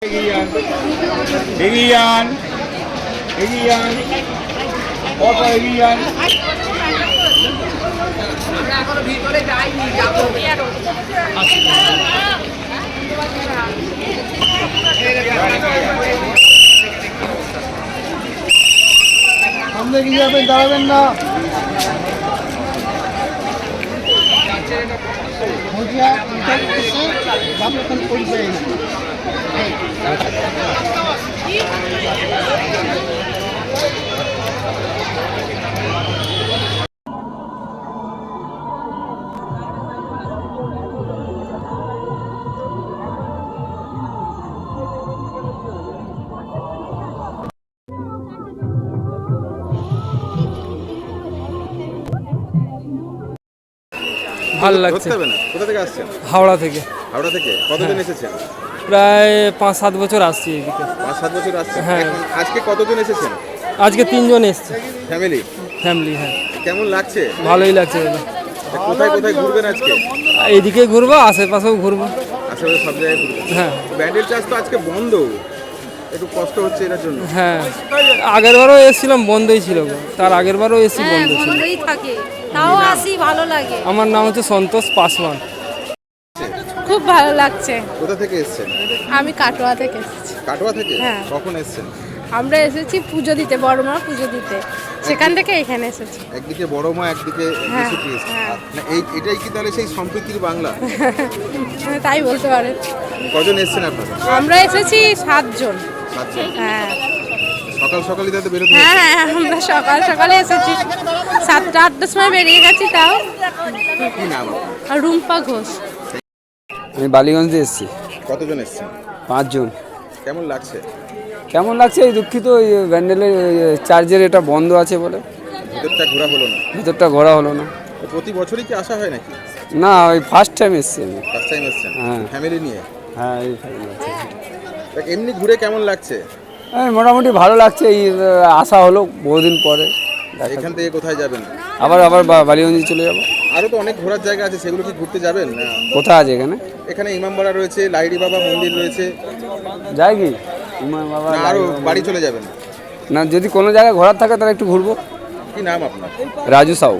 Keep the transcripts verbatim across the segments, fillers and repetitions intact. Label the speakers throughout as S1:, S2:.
S1: এগিয়ে যান, এগিয়ে যান, কত এগিয়ে যান।
S2: সামনে গিয়ে যাবেন, দাঁড়াবেন না।
S3: ভালো লাগছে।
S4: কোথা থেকে আসছেন?
S3: হাওড়া থেকে।
S4: হাওড়া থেকে কতদিন এসেছেন?
S3: প্রায় পাঁচ সাত বছর আসছি এদিকে।
S4: পাঁচ সাত বছর আসছেন।
S3: হ্যাঁ।
S4: এখন আজকে কতজন এসেছেন?
S3: আজকে তিনজন এসছে
S4: ফ্যামিলি।
S3: ফ্যামিলি। হ্যাঁ,
S4: কেমন লাগছে?
S3: ভালোই লাগছে দাদা।
S4: কোথায় কোথায় ঘুরবেন আজকে?
S3: এইদিকে ঘুরবো, আশেপাশেও ঘুরবো।
S4: আশেপাশে সব জায়গায় ঘুরবেন?
S3: হ্যাঁ।
S4: ব্যান্ডেল চার্চ তো আজকে বন্ধ, একটু কষ্ট হচ্ছে এটার জন্য।
S3: হ্যাঁ, আগের বারও এসেছিলাম, বন্ধই ছিল গো। তার আগের বারও এসেছি, বন্ধ ছিল।
S5: বন্ধই থাকে, তাও আসি, ভালো লাগে।
S3: আমার নাম হচ্ছে সন্তোষ পাসওয়ান।
S5: খুব ভালো লাগছে।
S4: কোথা থেকে এসেছেন?
S5: আমি কাটোয়া থেকে এসেছি।
S4: কাটোয়া থেকে?
S5: হ্যাঁ।
S4: কখন এসেছেন?
S5: আমরা এসেছি পুজো দিতে, বড় মা পুজো দিতে, সেখান থেকে এখানে এসেছি।
S4: একদিকে বড় মা, একদিকে
S5: হ্যাঁ,
S4: যীশু খ্রিস্ট।
S5: হ্যাঁ।
S4: না, এই এটাই কি তাহলে সেই সম্প্রীতির বাংলা?
S5: তাই বলতে পারেন।
S4: কজন এসেছেন আপনারা?
S5: আমরা এসেছি সাতজন।
S4: সাতজন।
S5: হ্যাঁ
S4: সকাল সকালই তাতে বেরোতে
S5: হ্যাঁ
S4: হয়েছে?
S5: হ্যাঁ, আমরা সকাল সকালে এসেছি, সাতটা আটটার সময় বেরিয়ে গেছি। তাও
S4: কি নাম আপনার?
S5: আর রুম্পা ঘোষ।
S6: আমি বালিগঞ্জে এসেছি।
S4: কতজন এসেছেন?
S6: পাঁচজন।
S4: কেমন লাগছে?
S6: কেমন লাগছে? এই দুঃখিত, ওই ব্যান্ডেলের চার্জের এটা বন্ধ আছে বলে
S4: ভিতরটা ঘোরা হলো না।
S6: ভিতরটা ঘোরা হলো না।
S4: তো প্রতি বছরই কি আসা হয় নাকি?
S6: না, ওই ফার্স্ট টাইম এসেছি আমি।
S4: ফার্স্ট টাইম এসেছেন?
S6: হ্যাঁ।
S4: ফ্যামিলি নিয়ে?
S6: হ্যাঁ, এই family আছে।
S4: তা এমনি ঘুরে কেমন লাগছে?
S6: হ্যাঁ, মোটামুটি ভালো লাগছে। এই আহ, আসা হলো বহুদিন পরে। দেখা-
S4: এখান থেকে কোথায় যাবেন?
S6: আবার আবার বা- বালিগঞ্জে চলে যাব।
S4: আরও তো অনেক ঘোরার জায়গা আছে, সেগুলো কি ঘুরতে যাবেন না?
S6: কোথায় আছে এখানে?
S4: এখানে ইমামবাড়া রয়েছে, লাইড়ি বাবা মন্দির রয়েছে,
S6: যাই কি ইমাম বাবা
S4: না আরও বাড়ি চলে যাবেন?
S6: না, যদি কোনো জায়গায় ঘোরার থাকে তাহলে একটু ঘুরবো।
S4: কি নাম আপনার?
S6: রাজু সাউ।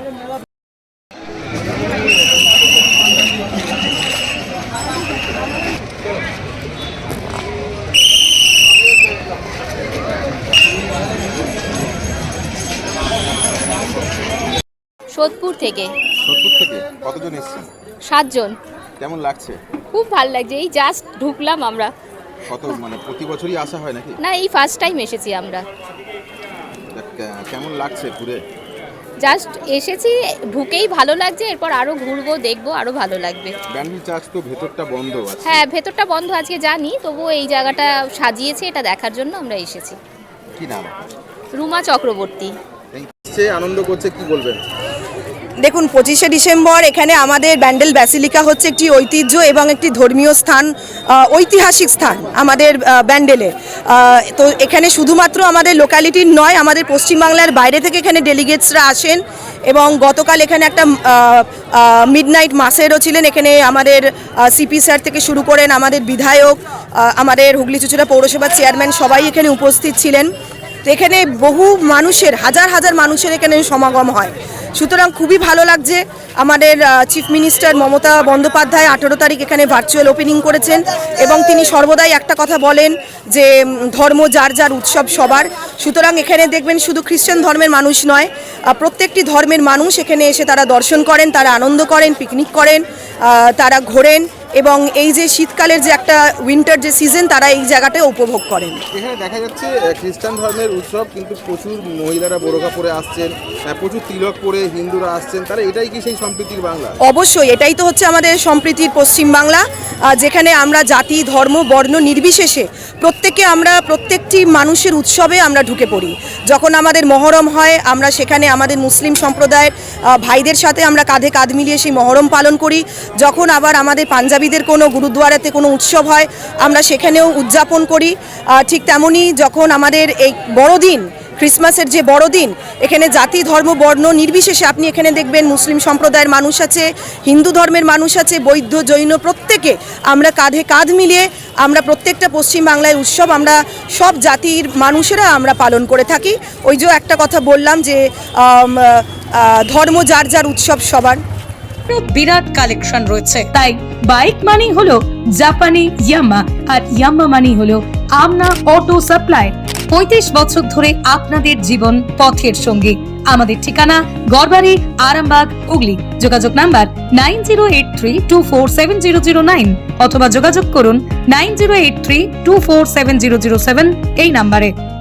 S7: সোদপুর থেকে।
S4: সোদপুর থেকে কতজন এসেছেন?
S7: সাতজন।
S4: কেমন লাগছে?
S7: খুব ভালো লাগছে, এই জাস্ট ঢুকলাম আমরা।
S4: কত মানে প্রতি বছরই আসা হয় নাকি?
S7: না, এই ফার্স্ট টাইম এসেছি আমরা।
S4: তা কে- কেমন লাগছে ঘুরে?
S7: জাস্ট এসেছি, ঢুকেই ভালো লাগছে, এরপর আরও ঘুরবো, দেখবো, আরও ভালো লাগবে।
S4: ব্যান্ডেল চার্চ তো ভেতরটা বন্ধ আছে।
S7: হ্যাঁ, ভেতরটা বন্ধ আজকে জানি, তবুও এই জায়গাটা সাজিয়েছে, এটা দেখার জন্য আমরা এসেছি।
S4: কি নাম?
S7: রুমা চক্রবর্তী।
S4: এই সে আনন্দ করছে, কি বলবেন?
S8: দেখুন, পঁচিশে ডিসেম্বর এখানে আমাদের ব্যান্ডেল ব্যাসিলিকা হচ্ছে একটি ঐতিহ্য এবং একটি ধর্মীয় স্থান, আহ, ঐতিহাসিক স্থান আমাদের আহ, ব্যান্ডেলে। আহ, তো এখানে শুধুমাত্র আমাদের লোকালিটির নয়, আমাদের পশ্চিমবাংলার বাইরে থেকে এখানে ডেলিগেটসরা আসেন এবং গতকাল এখানে একটা মিডনাইট মাসেরও ছিলেন। এখানে আমাদের সিপি স্যার থেকে শুরু করেন আমাদের বিধায়ক, আহ, আমাদের হুগলি চুঁচুড়া পৌরসভার চেয়ারম্যান সবাই এখানে উপস্থিত ছিলেন। তো এখানে বহু মানুষের, হাজার হাজার মানুষের এখানে সমাগম হয়। সুতরাং খুবই ভালো লাগছে। আমাদের চিফ মিনিস্টার মমতা বন্দ্যোপাধ্যায় আঠেরো তারিখ এখানে ভার্চুয়াল ওপেনিং করেছেন এবং তিনি সর্বদাই একটা কথা বলেন যে ধর্ম যার যার, উৎসব সবার। সুতরাং এখানে দেখবেন শুধু খ্রিস্টান ধর্মের মানুষ নয়, প্রত্যেকটি ধর্মের মানুষ এখানে এসে তারা দর্শন করেন, তারা আনন্দ করেন, পিকনিক করেন, তারা ঘোরেন এবং এই যে শীতকালের যে একটা উইন্টার যে সিজন, তারা এই জায়গাটায় উপভোগ করেন।
S4: এখানে দেখা যাচ্ছে খ্রিস্টান ধর্মের উৎসব, কিন্তু প্রচুর মহিলারা বোরকা পরে আসছেন, প্রচুর তিলক পরে হিন্দুরা আসছেন। তাহলে এটাই কি সেই সম্প্রীতির বাংলা?
S8: অবশ্যই, এটাই তো হচ্ছে আমাদের সম্প্রীতির পশ্চিমবাংলা, যেখানে আমরা জাতি, ধর্ম, বর্ণ নির্বিশেষে প্রত্যেকে আমরা প্রত্যেকটি মানুষের উৎসবে আমরা ঢুকে পড়ি। যখন আমাদের মহরম হয়, আমরা সেখানে আমাদের মুসলিম সম্প্রদায়ের ভাইদের সাথে আমরা কাঁধে কাঁধ মিলিয়ে সেই মহরম পালন করি। যখন আবার আমাদের পাঞ্জাবিদের কোনো গুরুদুয়ারাতে কোনো উৎসব হয়, আমরা সেখানেও উদযাপন করি। ঠিক তেমনই যখন আমাদের এই বড়দিন ক্রিসমাসের যে বড়দিন, এখানে জাতি ধর্ম বর্ণ নির্বিশেষে আপনি এখানে দেখবেন মুসলিম সম্প্রদায়ের মানুষ আছে, হিন্দু ধর্মের মানুষ আছে, বৌদ্ধ জৈন প্রত্যেকে আমরা কাঁধে কাঁধ মিলিয়ে আমরা প্রত্যেকটা পশ্চিমবাংলায় উৎসব আমরা সব জাতির মানুষেরা আমরা পালন করে থাকি। ওই যে একটা কথা বললাম যে আম, আহ, ধর্ম যার যার উৎসব সবার।
S9: বিরাট কালেকশন রয়েছে, তাই বাইক মানি হলো জাপানি ইয়ামা আর ইয়ামা মানি হলো আমনা অটো সাপ্লাই। পঁয়ত্রিশ বছর ধরে আপনাদের জীবন পথের সঙ্গী। আমাদের ঠিকানা গড়বাড়ি, আরামবাগ, হুগলি। যোগাযোগ number nine zero eight three two four seven zero zero nine অথবা যোগাযোগ করুন nine zero eight three two four seven zero zero seven এই নাম্বারে।